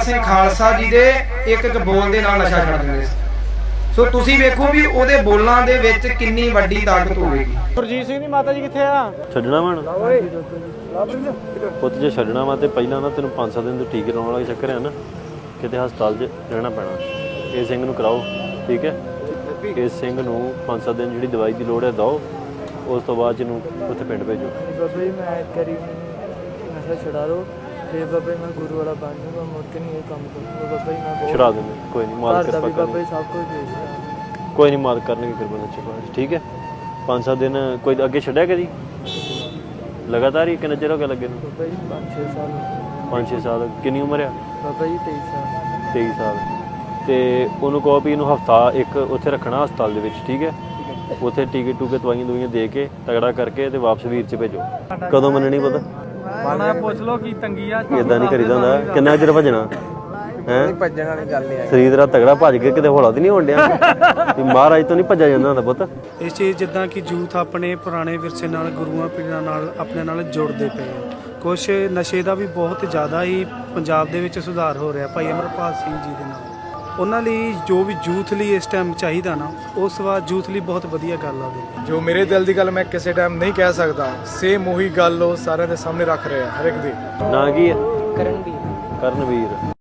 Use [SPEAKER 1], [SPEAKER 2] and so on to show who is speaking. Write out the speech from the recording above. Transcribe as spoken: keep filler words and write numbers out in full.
[SPEAKER 1] ਸਿੰਘ ਖਾਲਸਾ ਜੀ ਦੇ ਇੱਕ ਇੱਕ ਬੋਲ ਦੇ ਨਾਲ ਨਸ਼ਾ ਛੱਡ ਦਿੰਦੇ ਸੀ। ਸੋ ਤੁਸੀਂ ਵੇਖੋ ਵੀ ਉਹਦੇ ਬੋਲਾਂ ਦੇ ਵਿੱਚ ਕਿੰਨੀ ਵੱਡੀ ਤਾਕਤ ਹੋਵੇਗੀ।
[SPEAKER 2] ਗੁਰਜੀਤ ਸਿੰਘ ਦੀ ਮਾਤਾ ਜੀ ਕਿੱਥੇ ਆ?
[SPEAKER 3] ਛੱਡਣਾ ਵਾ ਪੁੱਤ, ਜੇ ਛੱਡਣਾ ਵਾ ਤੇ ਪਹਿਲਾਂ ਨਾ ਤੈਨੂੰ ਪੰਜ ਸੱਤ ਦਿਨ ਤੋਂ ਟੀਕੇ ਲਾਉਣ ਵਾਲਾ ਚੱਕਰ ਹੈ ਨਾ, ਕਿਤੇ ਹਸਪਤਾਲ 'ਚ ਰਹਿਣਾ ਪੈਣਾ। ਇਸ ਸਿੰਘ ਨੂੰ ਕਰਾਓ, ਠੀਕ ਹੈ? ਇਸ ਸਿੰਘ ਨੂੰ ਪੰਜ ਸੱਤ ਦਿਨ ਜਿਹੜੀ ਦਵਾਈ ਦੀ ਲੋੜ ਹੈ ਦਿਓ, ਉਸ ਤੋਂ ਬਾਅਦ ਇਹਨੂੰ ਉੱਥੇ ਪਿੰਡ ਭੇਜੋ।
[SPEAKER 4] ਬਾਬਾ ਜੀ ਮੈਂ ਕਰੀ ਨਸ਼ਾ ਛੁਡਾ ਲਓ, ਫਿਰ ਬਾਬਾ ਜੀ ਮੈਂ ਗੁਰੂ ਵਾਲਾ ਬਣ ਜਾਊਂਗਾ, ਮੁੜ ਕੇ ਨਹੀਂ ਇਹ ਕੰਮ ਕਰੂੰਗਾ। ਬਾਬਾ ਜੀ ਮੈਂ
[SPEAKER 3] ਛੁਡਾ ਦਿੰਦੇ, ਕੋਈ ਨਹੀਂ, ਮਾਲਕ ਕਿਰਪਾ
[SPEAKER 4] ਬਾਬਾ ਜੀ
[SPEAKER 3] ਕਰਨਗੇ,
[SPEAKER 4] ਸਭ ਕੁਝ ਭੇਜਦਾ।
[SPEAKER 3] ਕੋਈ ਨਹੀਂ, ਮਾਲਕ ਕਰਨਗੇ ਕਿਰਪਾ ਨਾਲ, ਚਲੋ ਠੀਕ ਹੈ? ਪੰਜ ਸੱਤ ਦਿਨ ਕੋਈ ਅੱਗੇ ਛੱਡਿਆ ਕਦੀ ਲਗਾਤਾਰ ਹੀ? ਕਿੰਨਾ ਚਿਰ ਹੋ ਗਿਆ ਲੱਗੇ ਨੂੰ?
[SPEAKER 4] ਬਾਬਾ ਜੀ ਪੰਜ ਛੇ ਸਾਲ ਹੋ ਗਏ।
[SPEAKER 3] ਪੰਜ ਛੇ ਸਾਲ। ਕਿੰਨੀ ਉਮਰ ਆ?
[SPEAKER 4] ਬਾਬਾ ਜੀ ਤੇਈ ਸਾਲ।
[SPEAKER 3] ਤੇਈ ਸਾਲ। ਤੇ ਉਹਨੂੰ ਕਹੋ ਵੀ ਇਹਨੂੰ ਹਫਤਾ ਇੱਕ ਉੱਥੇ ਰੱਖਣਾ ਹਸਪਤਾਲ ਦੇ ਵਿੱਚ, ਠੀਕ ਹੈ? ਉੱਥੇ ਟੀਕੇ ਟੂਕੇ ਦਵਾਈਆਂ ਦਵਾਈਆਂ ਦੇ ਕੇ ਤਗੜਾ ਕਰਕੇ ਤੇ ਵਾਪਸ ਵੀਰ 'ਚ ਭੇਜੋ। ਕਦੋਂ ਮੰਨਣੀ ਪਤਾ?
[SPEAKER 2] ਮਾਣਾ ਪੁੱਛ ਲੋ ਕੀ ਤੰਗੀ ਆ।
[SPEAKER 3] ਇਦਾਂ ਨਹੀਂ ਕਰੀਦਾ ਹੁੰਦਾ। ਕਿੰਨਾ ਚਿਰ ਭੱਜਣਾ ਹੈ?
[SPEAKER 4] ਭੱਜਣ ਵਾਲੀ ਗੱਲ ਨਹੀਂ।
[SPEAKER 3] ਸਰੀਰ ਤੇਰਾ ਤਗੜਾ, ਭੱਜ ਕੇ ਕਿਤੇ ਹੌਲਾ ਤੇ ਨਹੀਂ ਹੋਣ ਡਿਆ ਵੀ ਮਹਾਰਾਜ ਤੋਂ ਨਹੀਂ ਭੱਜਿਆ ਜਾਂਦਾ ਹੁੰਦਾ ਪੁੱਤ।
[SPEAKER 5] ਇਸ ਚੀਜ਼ ਜਿੱਦਾਂ ਕਿ ਯੂਥ ਆਪਣੇ ਪੁਰਾਣੇ ਵਿਰਸੇ ਨਾਲ, ਗੁਰੂਆਂ ਪੀਰਾਂ ਨਾਲ ਆਪਣੇ ਨਾਲ ਜੁੜਦੇ ਪਏ ਆ। ਕੁਛ ਨਸ਼ੇ ਦਾ ਵੀ ਬਹੁਤ ਜ਼ਿਆਦਾ ਹੀ ਪੰਜਾਬ ਦੇ ਵਿੱਚ ਸੁਧਾਰ ਹੋ ਰਿਹਾ ਭਾਈ ਅਮਰਪਾਲ ਸਿੰਘ ਜੀ ਦੇ ਨਾਲ। ਉਹਨਾਂ ਲਈ ਜੋ ਵੀ ਯੂਥ ਲਈ ਇਸ ਟਾਈਮ ਚਾਹੀਦਾ ਨਾ, ਉਸ ਵਾਰ ਯੂਥ ਲਈ ਬਹੁਤ ਵਧੀਆ ਗੱਲ ਆ ਉਹਦੇ।
[SPEAKER 6] ਜੋ ਮੇਰੇ ਦਿਲ ਦੀ ਗੱਲ ਮੈਂ ਕਿਸੇ ਟਾਈਮ ਨਹੀਂ ਕਹਿ ਸਕਦਾ, ਸੇਮ ਉਹੀ ਗੱਲ ਉਹ ਸਾਰਿਆਂ ਦੇ ਸਾਹਮਣੇ ਰੱਖ ਰਹੇ ਆ ਹਰ ਇੱਕ ਦੀ।
[SPEAKER 3] ਨਾਂ ਕੀ ਹੈ?
[SPEAKER 4] ਕਰਨਵੀਰ।
[SPEAKER 3] ਕਰਨਵੀਰ।